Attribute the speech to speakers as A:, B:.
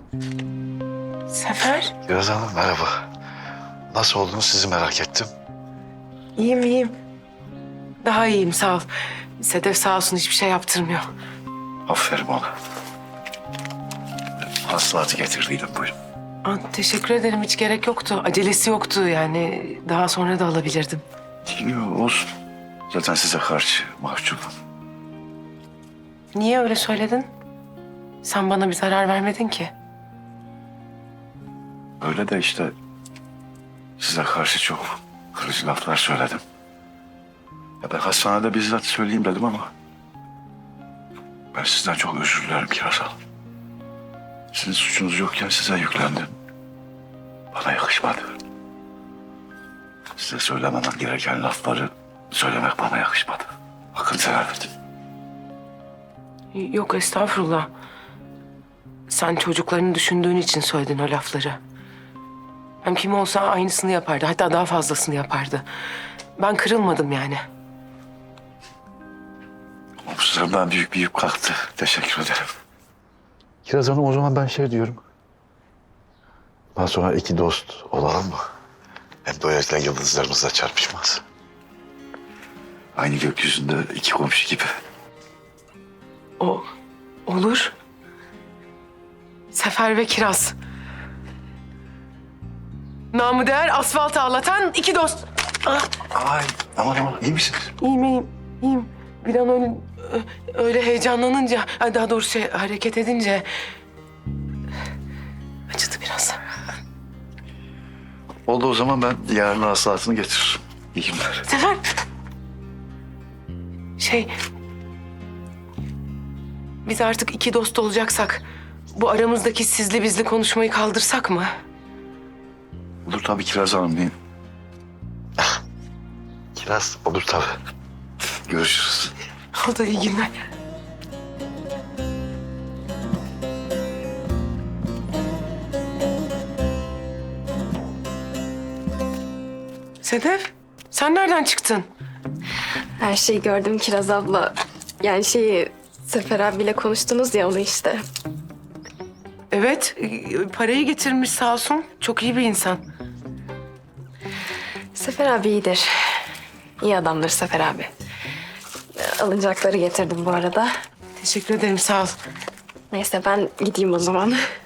A: Sefer.
B: Kiraz Hanım merhaba. Nasıl oldunuz sizi merak ettim.
A: İyiyim, iyiyim. Daha iyiyim, sağ ol. Sedef sağ olsun hiçbir şey yaptırmıyor.
B: Aferin ona. Hasılatı getirdiydim buyurun.
A: Teşekkür ederim, hiç gerek yoktu. Acelesi yoktu yani. Daha sonra da alabilirdim.
B: Yok olsun. Zaten size karşı mahcubum.
A: Niye öyle söyledin? Sen bana bir zarar vermedin ki.
B: Öyle de işte size karşı çok kırıcı laflar söyledim. Ya ben hastanede bizzat söyleyeyim dedim ama ben sizden çok özür dilerim Kiraz Hanım. Sizin suçunuz yokken size yüklendim. Bana yakışmadı. Size söylemem gereken lafları söylemek bana yakışmadı. Hakkınızı helal edin.
A: Yok, estağfurullah. Sen çocuklarını düşündüğün için söyledin o lafları. Hem kim olsa aynısını yapardı. Hatta daha fazlasını yapardı. Ben kırılmadım yani.
B: Omuzlarımdan büyük bir yük kalktı. Teşekkür ederim. Kiraz Hanım o zaman ben şey diyorum. Daha sonra iki dost olalım mı? Hem böylelikle yıldızlarımız da çarpışmaz. Aynı gökyüzünde iki komşu gibi.
A: O olur. Sefer ve Kiraz. Namı değer asfalt ağlatan iki dost.
B: Ay aman aman iyi misiniz?
A: İyiyim, iyiyim, iyiyim. Bir an öyle heyecanlanınca, daha doğrusu hareket edince acıdı biraz.
B: Oldu o zaman ben yarın hasılatını getiririm. İyi günler.
A: Sefer. Biz artık iki dost olacaksak bu aramızdaki sizli bizli konuşmayı kaldırsak mı?
B: Olur tabii Kiraz Hanım diyeyim. Kiraz olur tabii. Görüşürüz.
A: Oldu, iyi günler. Sedef, sen nereden çıktın?
C: Her şeyi gördüm Kiraz abla. Yani Sefer abiyle konuştunuz ya onu işte.
A: Evet, parayı getirmiş sağ olsun. Çok iyi bir insan.
C: Sefer abi iyidir. İyi adamdır Sefer abi. Alınacakları getirdim bu arada.
A: Teşekkür ederim, sağ ol.
C: Neyse ben gideyim o zaman.